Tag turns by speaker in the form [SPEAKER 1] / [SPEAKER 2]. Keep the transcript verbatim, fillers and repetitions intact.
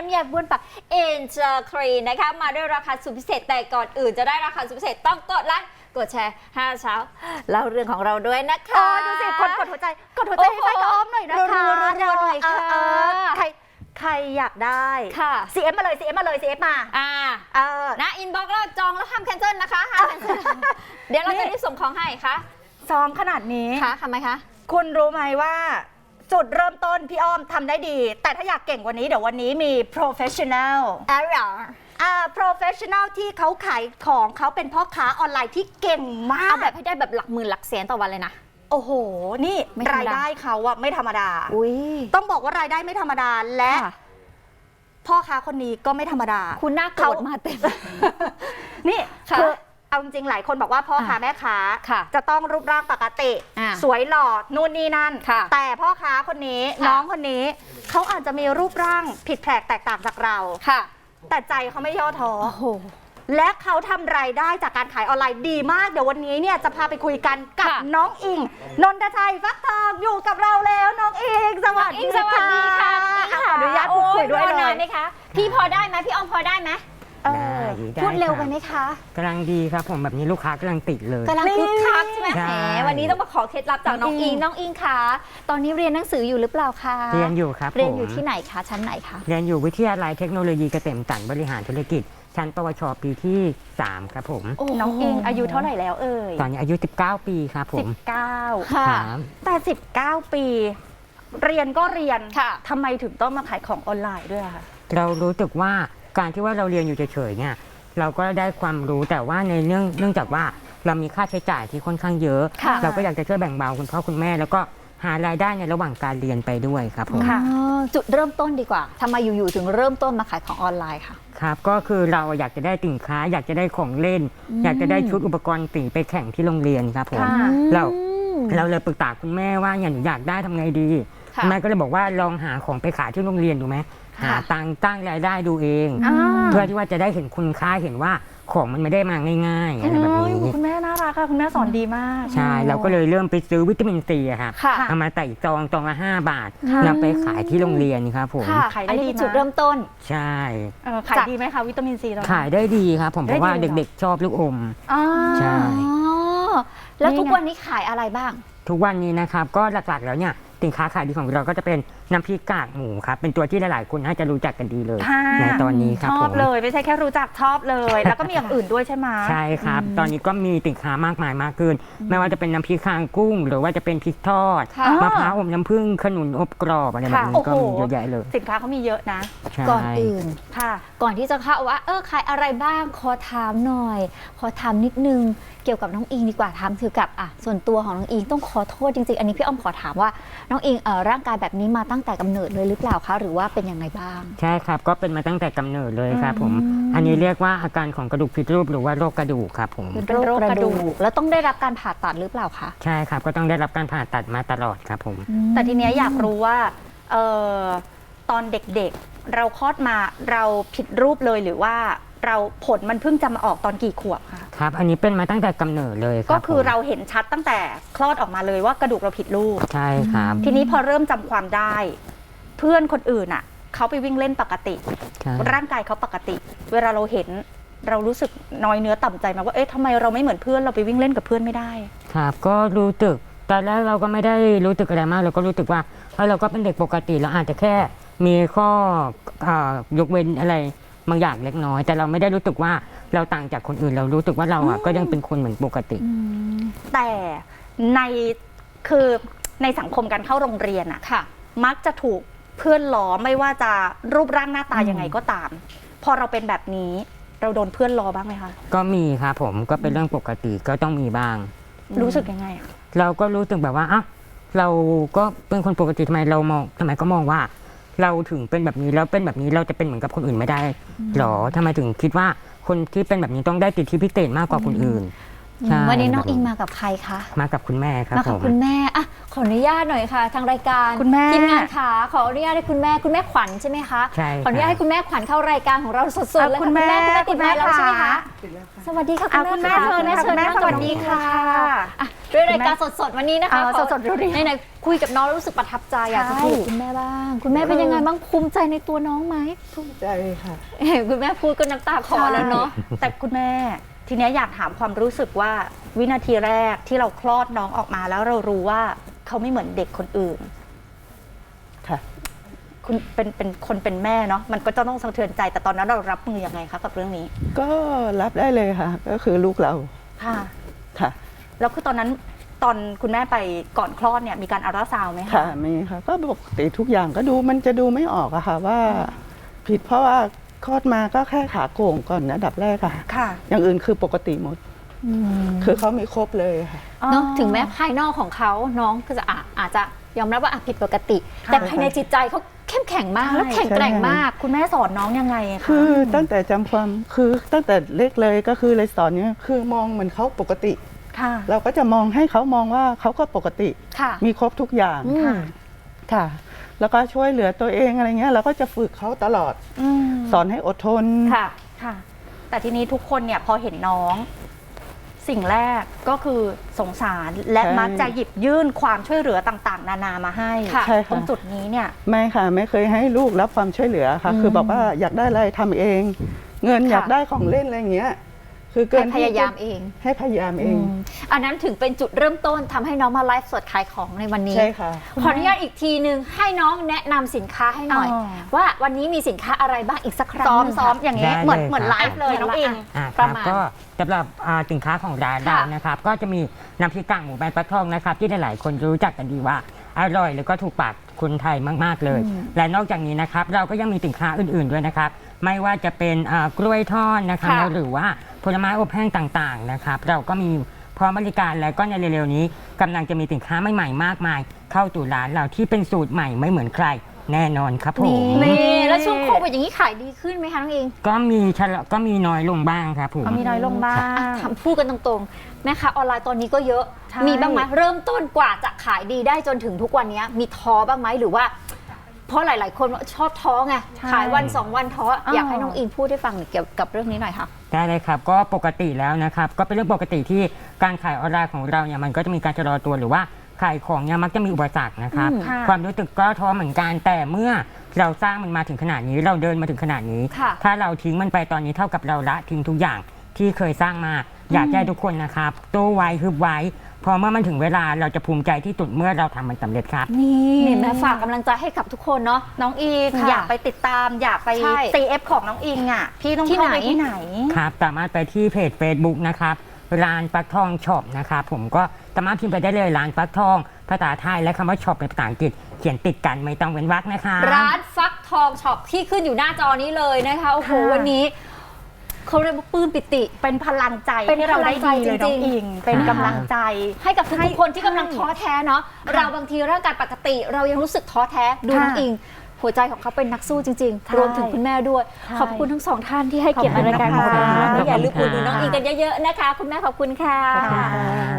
[SPEAKER 1] ำยาบ้วนปากเอ็นเจอร์ครีนนะคะมาด้วยราคาสุดพิเศษแต่ก่อนอื่นจะได้ราคาสุดพิเศษต้องกดไลค์กดแชร์ห้าเช้าเล่าเรื่องของเราด้วยนะคะ
[SPEAKER 2] โอ้ดูสิคนกดหัวใจกดหัวใจให้ไฟกับอ้อมหน่อยนะคะ
[SPEAKER 1] รัวๆหน่อยค่ะ
[SPEAKER 2] เออใครใครอยากได้
[SPEAKER 1] ค่ะ
[SPEAKER 2] ซี เอฟ มาเลย ซี เอฟ มาเลย ซี เอฟ มา
[SPEAKER 1] อ่า
[SPEAKER 2] เออ
[SPEAKER 1] นะอินบ็อกซ์แล้วจองแล้วห้ามแคนเซิลนะคะห้ามแคนเซิลเดี๋ยวเราจะรีบส่งของให้ค่ะ
[SPEAKER 2] ซ้อมขนาดนี้
[SPEAKER 1] ค่ะทำไมคะ
[SPEAKER 2] คุณรู้ไหมว่าจุดเริ่มต้นพี่อ้อมทำได้ดี แต่ถ้าอยากเก่งกว่านี้เดี๋ยววันนี้มี professional
[SPEAKER 1] แอร์
[SPEAKER 2] อ่า professional ที่เขาขายของเขาเป็นพ่อค้าออนไลน์ที่เก่งมา
[SPEAKER 1] เอา
[SPEAKER 2] ก
[SPEAKER 1] แบบให้ได้แบบหลักหมื่นหลักแสนต่อวันเลยนะ
[SPEAKER 2] โอ้โห นี่
[SPEAKER 1] ไม่ธรรมดาร
[SPEAKER 2] ายได้เขาอะไม่ธรรมดา
[SPEAKER 1] อุ้ย
[SPEAKER 2] ต้องบอกว่ารายได้ไม่ธรรมดาและ
[SPEAKER 1] ค่ะ
[SPEAKER 2] พ่อค้าคนนี้ก็ไม่ธรรมดา
[SPEAKER 1] คุณน่าโกรธมาเต็ม
[SPEAKER 2] นี่
[SPEAKER 1] ค่ะ
[SPEAKER 2] คือเอาจริงๆหลายคนบอกว่าพ่อค้า
[SPEAKER 1] อ่ะ
[SPEAKER 2] แม่ค้า
[SPEAKER 1] ค่ะ
[SPEAKER 2] จะต้องรูปร่างปกติ
[SPEAKER 1] อ่ะ
[SPEAKER 2] สวยหล่อนู่นนี่นั่น
[SPEAKER 1] ค่ะ
[SPEAKER 2] แต่พ่อค้าคนนี้
[SPEAKER 1] ค่ะ
[SPEAKER 2] น้องคนนี้เขาอาจจะมีรูปร่างผิดแปลกแตกต่างจากเรา
[SPEAKER 1] ค่ะ
[SPEAKER 2] แต่ใจเขาไม่ย่อท้อ
[SPEAKER 1] โอ้โห
[SPEAKER 2] และเขาทำรายได้จากการขายออนไลน์ดีมาก เดี๋ยววันนี้เนี่ยจะพาไปคุยกันกับ
[SPEAKER 1] ค่ะ
[SPEAKER 2] น้องอิง นนทชัยฟักทองอยู่กับเราแล้วน้องอิงสวัส
[SPEAKER 1] อิ
[SPEAKER 2] ดี
[SPEAKER 1] งสวัสดีค่ะ
[SPEAKER 2] อ่ะขออนุญาตพูดคุยด้วย
[SPEAKER 1] โอ้
[SPEAKER 2] เล
[SPEAKER 1] นาน
[SPEAKER 2] ย
[SPEAKER 1] ไหมคะ พี่พอได้ไหมพี่อ้อมพอได้ไหม
[SPEAKER 2] เออ
[SPEAKER 3] ได้
[SPEAKER 1] พูดเร็วไป
[SPEAKER 3] คบ
[SPEAKER 1] ไหมคะ
[SPEAKER 3] กำลังดีครับผมแบบนี้ลูกค้ากำลังติดเลย
[SPEAKER 1] กำลังคึกคักใช่ไหม
[SPEAKER 3] ใช่
[SPEAKER 1] แหมวันนี้ต้องมาขอเคล็ดลับจากน้อง
[SPEAKER 2] น้องอิ
[SPEAKER 1] อิง
[SPEAKER 2] ง
[SPEAKER 1] น้องอิงคะตอนนี้เรียนหนังสืออยู่หรือเปล่าคะ
[SPEAKER 3] เรียนอยู่ครับ
[SPEAKER 1] เรียนอยู่
[SPEAKER 3] ผม
[SPEAKER 1] ที่ไหนคะ ชั้นไหนคะ
[SPEAKER 3] เรียนอยู่วิทยาลัยเทคโนโลยีเกษมสันต์บริหารธุรกิจ ชั้นปวชปีที่สามครับผม
[SPEAKER 2] น้องอิงอายุเท่าไหร่แล้วเอ่ย
[SPEAKER 3] ตอนนี้อายุสิบเก้าปีครับผม
[SPEAKER 2] สิบเก้า
[SPEAKER 1] ค่ะ
[SPEAKER 3] ครับ
[SPEAKER 2] แต่สิบเก้าปี เรียนก็เรียน
[SPEAKER 1] ค่ะ
[SPEAKER 2] ทำไมถึงต้องมาขายของออนไลน์ด้วยอะคะ
[SPEAKER 3] เรารู้สึกว่าการที่ว่าเราเรียนอยู่เฉยๆเนี่ยเราก็ได้ความรู้แต่ว่าในเรื่องเนื่องจากว่าเรามีค่าใช้จ่ายที่ค่อนข้างเยอะ
[SPEAKER 1] ค่ะ
[SPEAKER 3] เราก็อยากจะช่วยแบ่งเบาคุณพ่อคุณแม่ แล้วก็หารายได้ในระหว่างการเรียนไปด้วยครับผม
[SPEAKER 2] ค่ะ
[SPEAKER 1] อ๋อจุดเริ่มต้นดีกว่าทำไมอยู่ๆถึงเริ่มต้นมาขายของออนไลน์ค่ะ
[SPEAKER 3] ครับก็คือเราอยากจะได้สินค้า อยากจะได้ของเล่น
[SPEAKER 1] อืม
[SPEAKER 3] อยากจะได้ชุดอุปกรณ์สีไปแข่งที่โรงเรียนครับผม
[SPEAKER 2] ค่ะ
[SPEAKER 3] เรา
[SPEAKER 1] อืม
[SPEAKER 3] เราเลยปรึกษาคุณแม่ว่าเนี่ยหนูอยากได้ทำไงดี
[SPEAKER 1] ค่ะ
[SPEAKER 3] คุณแม่ก็เลยบอกว่าลองหาของไปขายที่โรงเรียนดูไหม
[SPEAKER 1] ค่ะ
[SPEAKER 3] หาตังค์ตั้งรายได้ดูเอง
[SPEAKER 2] อ่า
[SPEAKER 3] เพื่อที่ว่าจะได้เห็นคุณค่าเห็นว่าของมันไม่ได้มาง่ายๆอะไรแบบ
[SPEAKER 2] โอ้ย
[SPEAKER 3] นี้
[SPEAKER 2] คุณแม่น่ารักค่ะคุณแม่สอนดีมาก
[SPEAKER 3] ใช่เราก็เลยเริ่มไปซื้อวิตามินซีอะครับ
[SPEAKER 1] ค่ะ
[SPEAKER 3] เอามาใส่ซองซองละห้าบาท
[SPEAKER 2] ค่ะ
[SPEAKER 3] นำไปขายที่โรงเรียนครับผม
[SPEAKER 1] ค่ะ
[SPEAKER 2] ขายได้
[SPEAKER 1] อันนี้
[SPEAKER 2] ดี
[SPEAKER 1] เป็นจุด
[SPEAKER 2] มาก
[SPEAKER 1] เริ่มต้น
[SPEAKER 3] ใช่
[SPEAKER 2] เออขายดีไหมคะวิตามินซีเรา
[SPEAKER 3] ขายได้ดีครับผมเพ
[SPEAKER 2] ได้
[SPEAKER 3] ราะว่า
[SPEAKER 2] ดีเหรอ
[SPEAKER 3] เด็กๆชอบลูกอม
[SPEAKER 2] อ่า
[SPEAKER 3] ใช่
[SPEAKER 1] อ๋อ แล้ว
[SPEAKER 2] นี่ไง
[SPEAKER 1] ทุกวันนี้ขายอะไรบ้าง
[SPEAKER 3] ทุกวันนี้นะครับก็หลักๆแล้วเนี่ยสินค้าขายดีของเราก็จะเป็นน้ำพริกกากหมูครับเป็นตัวที่หลายๆคนน่าจะรู้จักกันดีเลย
[SPEAKER 2] ค่ะ
[SPEAKER 3] ในตอนนี้ครับ
[SPEAKER 2] ช
[SPEAKER 3] ผ
[SPEAKER 2] อบ
[SPEAKER 3] ม
[SPEAKER 2] เลยไม่ใช่แค่รู้จักชอบเลย แล้วก็มีอย่างอื่นด้วยใช่ไหม
[SPEAKER 3] ใช่ครับ ตอนนี้ก็มีสินค้ามากมายมากขึ้น ไม่ว่าจะเป็นน้ำพริกคางกุ้ง หรือว่าจะเป็นพริกทอด
[SPEAKER 1] ค่ะ
[SPEAKER 3] มะพร้าวอมน้ำผึ้งขนุนอบกรอบอะไรแบบ
[SPEAKER 2] ค่ะ
[SPEAKER 3] นี้
[SPEAKER 2] โอ้
[SPEAKER 3] ก็
[SPEAKER 2] โห
[SPEAKER 3] มีเยอะแยะเลย
[SPEAKER 2] สินค้าเขามีเยอะนะ
[SPEAKER 3] ใช่
[SPEAKER 1] ก่อนอื่น
[SPEAKER 2] ค่ะ
[SPEAKER 1] ก่อนที่จะเข้าว่า เออขายอะไรบ้าง ขอถามหน่อย ขอถามนิดนึง เกี่ยวกับน้องอิงดีกว่าถามเกี่ยวกับอ่ะส่วนตัวของน้องอิงต้องขอโทษจริงๆ อันนี้พี่อ้อมขอถามว่าน้องอิงเอ่อร่างกายแบบนี้มาตั้งแต่กำเนิดเลยหรือเปล่าคะ หรือว่าเป็นยังไงบ้าง
[SPEAKER 3] ใช่ครับก็เป็นมาตั้งแต่กำเนิดเลยครับผม
[SPEAKER 1] อืม
[SPEAKER 3] อันนี้เรียกว่าอาการของกระดูกผิดรูปหรือว่าโรคกระดูกครับผม
[SPEAKER 1] เป็นโรคกระดูกแล้วต้องได้รับการผ่าตัดหรือเปล่าคะ
[SPEAKER 3] ใช่ครับก็ต้องได้รับการผ่าตัดมาตลอดครับผม
[SPEAKER 2] แต่ทีเนี้ยอยากรู้ว่าเอ่อตอนเด็กๆ เราคลอดมาเราผิดรูปเลยหรือว่าเราผลมันเพิ่งจะมาออกตอนกี่ขวบคะ
[SPEAKER 3] ครับอันนี้เป็นมาตั้งแต่กำเนิดเลยครับ
[SPEAKER 2] ก็คือ
[SPEAKER 3] ผม
[SPEAKER 2] เราเห็นชัดตั้งแต่คลอดออกมาเลยว่ากระดูกเราผิดรูป
[SPEAKER 3] ใช่ครับ
[SPEAKER 2] ทีนี้พอเริ่มจำความได้ เพื่อนคนอื่นอ่ะเขาไปวิ่งเล่นปกติ
[SPEAKER 3] ใช่
[SPEAKER 2] ร่างกายเขาปกติ เวลาเราเห็นเรารู้สึกน้อยเนื้อต่ำใจมากว่าเอ๊ะทำไมเราไม่เหมือนเพื่อนเราไปวิ่งเล่นกับเพื่อนไม่ได้
[SPEAKER 3] ครับก็รู้สึกตอนแรกเราก็ไม่ได้รู้สึกอะไรมากเราก็รู้สึกว่าเฮ้ยเราก็เป็นเด็กปกติเราอาจจะแค่มีข้อเอ่อยกเว้นอะไรบางอย่างเล็กน้อย แต่เราไม่ได้รู้สึกว่าเราต่างจากคนอื่น เรารู้สึกว่าเราอ่ะก็ยังเป็นคนเหมือนปกติ
[SPEAKER 2] แต่ในคือในสังคมการเข้าโรงเรียนอ่ะ
[SPEAKER 1] ค่ะ
[SPEAKER 2] มักจะถูกเพื่อนล้อไม่ว่าจะรูปร่างหน้าตา
[SPEAKER 1] อืม
[SPEAKER 2] ยังไงก็ตาม พอเราเป็นแบบนี้เราโดนเพื่อนล้อบ้างไหมคะ
[SPEAKER 3] ก็มีครับผมก็เป็นเรื่องปกติก็ต้องมีบ้าง
[SPEAKER 2] รู้สึกยังไงอะ
[SPEAKER 3] เราก็รู้สึกแบบว่าอ้าวเราก็เป็นคนปกติทำไมเรามองทำไมก็มองว่า เราถึงเป็นแบบนี้แล้วเป็นแบบนี้เราจะเป็นเหมือนกับคนอื่นไม่ได้หรอทำไมถึงคิดว่าคนที่เป็นแบบนี้ต้องได้สิทธิพิเศษมากกว่าคนอื่น ใช่
[SPEAKER 1] วันนี้น้องอิงมากับใครคะ
[SPEAKER 3] มากับคุณแม่ครับ
[SPEAKER 1] มา
[SPEAKER 3] ผ
[SPEAKER 1] กับ
[SPEAKER 3] ม
[SPEAKER 1] คุณแม่อ่ะขออนุญาตหน่อยค่ะ ทางรายการ
[SPEAKER 2] คุณแม่
[SPEAKER 1] ทีมงานขาขออนุญาตให้คุณแม่คุณแม่ขวัญใช่ไหมคะ
[SPEAKER 3] ใช่
[SPEAKER 1] ขออนุญาตให้คุณแม่ขวัญเข้ารายการของเราสดๆเลย
[SPEAKER 2] คุณแม่
[SPEAKER 1] ค่ะคุณแม่คุณแม่ติดไมค์แล้วใช่ไหมคะ
[SPEAKER 2] ค่ะ
[SPEAKER 1] สวัสดีค่ะคุ
[SPEAKER 2] เอา
[SPEAKER 1] ณแม่
[SPEAKER 2] คุณแม่เชิญค่ะคุณแม่สวัสดีค่ะ
[SPEAKER 1] อ่ะด้วยรายการสดๆวันนี้นะคะ
[SPEAKER 2] อ่า
[SPEAKER 1] ขอ
[SPEAKER 2] สดๆเรียวๆ
[SPEAKER 1] ไหนๆคุยกับน้องแล้วรู้สึกประทับใจอยากจะ
[SPEAKER 2] ใช่
[SPEAKER 1] คุยกับคุณแม่บ้าง คุณแม่เป็นยังไงบ้างภูมิใจในตัวน้องไหม
[SPEAKER 4] ภูมิใจค่ะ
[SPEAKER 1] เห็นคุณแม่พูดก็น้ำตาคลอแล้วเนาะ
[SPEAKER 2] แต่คุณแม่ทีเนี้ยอยากถามความรู้สึกว่าวินาทีแรกที่เราคลอดน้องออกมาแล้วเรารู้ว่าเขาไม่เหมือนเด็กคนอื่น
[SPEAKER 4] ค่ะ
[SPEAKER 2] คุณเป็นเป็นคนเป็นแม่เนาะมันก็จะต้องสะเทือนใจแต่ตอนนั้นเรารับมือยังไงคะกับเรื่องนี้
[SPEAKER 4] ก็รับได้เลยค่ะ ก็คือลูกเรา
[SPEAKER 2] ค่ะ
[SPEAKER 4] ค่ะ
[SPEAKER 2] แล้วคือตอนนั้นตอนคุณแม่ไปก่อนคลอดเนี่ยมีการอัลตราซาวด์ไหมคะ
[SPEAKER 4] ค่ะมีค่ะ ก็ปกติทุกอย่างก็ดูมันจะดูไม่ออกอะค่ะว่า ผิดเพราะว่าคลอดมาก็แค่ขาโก่งก่อนนะอันดับแรกค่ะ
[SPEAKER 2] ค่ะ
[SPEAKER 4] อย่างอื่นคือปกติหมด คือเขามีครบเลยค่ะ
[SPEAKER 1] เนาะถึงแม้ภายนอกของเขาน้องก็จะอาอาจจะยอมรับว่าอ่ะผิดปกติ
[SPEAKER 2] ค่ะ
[SPEAKER 1] แต่ภายในจิตใจเขาเข้มแข็งมาก
[SPEAKER 2] ใช่
[SPEAKER 1] แล้วแข็งแกร่งมาก
[SPEAKER 2] คุณแม่สอนน้องยังไงคะ
[SPEAKER 4] คือตั้งแต่จำความคือตั้งแต่เล็กเลยก็คือเลยสอนเนี้ยคือมองเหมือนเขาปกติ
[SPEAKER 2] ค่ะ
[SPEAKER 4] เราก็จะมองให้เขามองว่าเขาก็ปกติ
[SPEAKER 1] ค่ะ
[SPEAKER 4] มีครบทุกอย่าง
[SPEAKER 1] อืม
[SPEAKER 4] ค่ะ แล้วก็ช่วยเหลือตัวเองอะไรเงี้ยเราก็จะฝึกเขาตลอด
[SPEAKER 2] อืม
[SPEAKER 4] สอนให้อดทน
[SPEAKER 1] ค่ะ
[SPEAKER 2] ค่ะ แต่ทีนี้ทุกคนเนี่ยพอเห็นน้อง สิ่งแรกก็คือสงสารและ
[SPEAKER 4] ใช่
[SPEAKER 2] มักจะหยิบยื่นความช่วยเหลือต่างๆ นานามาให้
[SPEAKER 1] ค่ะ
[SPEAKER 4] ใช่ค่ะ
[SPEAKER 2] ตรงจุดนี้เนี่ย
[SPEAKER 4] ไม่ค่ะ ไม่เคยให้ลูกรับความช่วยเหลือค่ะ
[SPEAKER 1] อืม
[SPEAKER 4] คือบอกว่าอยากได้อะไรทำเอง เงิน
[SPEAKER 1] ค่ะ
[SPEAKER 4] อยากได้ของเล่นอะไรเงี้ย คือเกิ
[SPEAKER 1] ให้
[SPEAKER 4] น
[SPEAKER 1] พยายามเอง
[SPEAKER 4] ให้พยายามเอง
[SPEAKER 1] อืมอันนั้นถึงเป็นจุดเริ่มต้นทำให้น้องมาไลฟ์สดขายของในวันนี้
[SPEAKER 4] ใช่ค่ะ
[SPEAKER 1] ขออนุญาตอีกทีหนึ่งให้น้องแนะนำสินค้าให้หน่อย
[SPEAKER 2] อ๋อ
[SPEAKER 1] ว่าวันนี้มีสินค้าอะไรบ้างอีกสักครั้ง
[SPEAKER 2] ซ้อม
[SPEAKER 1] หนึ่ง
[SPEAKER 2] ซ้อม
[SPEAKER 1] ค่ะ
[SPEAKER 2] อย่างนี้
[SPEAKER 3] ได้
[SPEAKER 2] เหมือน
[SPEAKER 3] เลย
[SPEAKER 2] เหมือน
[SPEAKER 3] ครับ
[SPEAKER 2] ไลฟ์เลยน้องอิง
[SPEAKER 3] อ่าค
[SPEAKER 1] ประ
[SPEAKER 3] รับ
[SPEAKER 1] มาณ
[SPEAKER 3] ก็สำหรับอ่าสินค้าของร้านเรา
[SPEAKER 1] ค่ะ
[SPEAKER 3] นะครับ ก็จะมีน้ำพริกกากหมูใบฟักทองนะครับ ที่หลายๆคนรู้จักกันดีว่าอร่อยแล้วก็ถูกปากคนไทยมากๆเลย และนอกจากนี้นะครับ เราก็ยังมีสินค้าอื่นๆด้วยนะครับ ไม่ว่าจะเป็นอ่ากล้วยทอดนะครับ
[SPEAKER 1] ค่ะ
[SPEAKER 3] หรือว่าผลไม้อบแห้งต่างๆนะครับ เราก็มีพร้อมบริการแล้วก็ในเร็วๆนี้กำลังจะมีสินค้าใหม่ๆมากมาย เข้าสู่ร้านเราที่เป็นสูตรใหม่ไม่เหมือนใครแน่นอนครับผม
[SPEAKER 1] นี่แล้วช่วงโควิดอย่างนี้ขายดีขึ้นไหมคะน้องอิง
[SPEAKER 3] ก็มีชะลอก็มีน้อยลงบ้างครับผม
[SPEAKER 2] เอามีน้อยลงบ้าง
[SPEAKER 1] ทำพูดกันตรงๆแม่ค้าออนไลน์ตอนนี้ก็เยอะ
[SPEAKER 2] ใช่
[SPEAKER 1] มีบ้างไหมเริ่มต้นกว่าจะขายดีได้จนถึงทุกวันนี้มีท้อบ้างไหมหรือว่า เพราะหลาย ๆ คนชอบท้อไง
[SPEAKER 2] ใช่
[SPEAKER 1] ขายวันสองวันท้อ
[SPEAKER 2] อ๋อ
[SPEAKER 1] อ
[SPEAKER 2] อ
[SPEAKER 1] ยากให้น้องอิงพูดให้ฟังเกี่ยวกับเรื่องนี้หน่อยค่ะ
[SPEAKER 3] ได้เลยครับก็ปกติแล้วนะครับก็เป็นเรื่องปกติที่การขายออนไลน์ของเราเนี่ยมันก็จะมีการชะลอตัวหรือว่าขายของเนี่ยมักจะมีอุปสรรคนะครับ
[SPEAKER 1] อืม
[SPEAKER 2] ค่ะ
[SPEAKER 3] ความรู้สึกก็ท้อเหมือนกันแต่เมื่อเราสร้างมันมาถึงขนาดนี้เราเดินมาถึงขนาดนี้
[SPEAKER 1] ค่ะ
[SPEAKER 3] ถ้าเราทิ้งมันไปตอนนี้เท่ากับเราละทิ้งทุกอย่างที่เคยสร้างมา อยากให้ทุกคนนะครับโตไว้ฮึบไว้พอเมื่อมันถึงเวลาเราจะภูมิใจที่สุดเมื่อเราทำมันสำเร็จครับ
[SPEAKER 1] นี่เห็นไหมฝากกำลังใจให้กับทุกคนเนาะ
[SPEAKER 2] น้องอิง
[SPEAKER 1] ค่ะ
[SPEAKER 2] อยากไปติดตามอยากไป
[SPEAKER 1] ใช่
[SPEAKER 2] ซี เอฟ ของน้องอิงอ่ะพี่ต้อง
[SPEAKER 1] ที่
[SPEAKER 2] เข้า
[SPEAKER 1] ไหน
[SPEAKER 2] ไปที่ไหน
[SPEAKER 3] ครับสามารถไปที่เพจ Facebook นะครับร้านฟักทองช็อปนะครับผมก็สามารถพิมพ์ไปได้เลยร้านฟักทองภาษาไทยและคำว่าช็อปเป็นภาษาอังกฤษเขียนติดกันไม่ต้องเว้นวรรคนะคะ
[SPEAKER 1] ร้านฟักทองช็อปที่ขึ้นอยู่หน้าจอนี้เลยนะคะโอ้โห
[SPEAKER 2] ค่ะ
[SPEAKER 1] วันนี้เขาเรียกว่าปลื้มปิติ
[SPEAKER 2] เป็นพลังใจ
[SPEAKER 1] เป็น
[SPEAKER 2] ให้เราได้ดีเลย
[SPEAKER 1] พลั
[SPEAKER 2] น้อง
[SPEAKER 1] งใจจริงๆ
[SPEAKER 2] อิง เป็น
[SPEAKER 1] นะคะ
[SPEAKER 2] กำลังใจ
[SPEAKER 1] ให้กับ
[SPEAKER 2] ให้
[SPEAKER 1] ทุกๆคนที่กำลัง
[SPEAKER 2] ใช่
[SPEAKER 1] ท้อแท้เนาะเราบางทีร่างกายปกติ เรายังรู้สึกท้อแท้ดูน้อง
[SPEAKER 2] ค่ะ
[SPEAKER 1] อิง หัวใจของเขาเป็นนักสู้จริง
[SPEAKER 2] ใช่
[SPEAKER 1] ๆ รวมถึงคุณแม่ด้วย
[SPEAKER 2] ใช่
[SPEAKER 1] ขอบคุณทั้งสองท่านที่ให้เกียรติในรายการของเรา
[SPEAKER 2] ขอบคุณนะคะ
[SPEAKER 1] และอย่าลืมอุดหนุนน้องอิงกันเยอะๆนะคะ คุณแม่ขอบคุณค่ะ
[SPEAKER 3] ขอบคุณค่ะ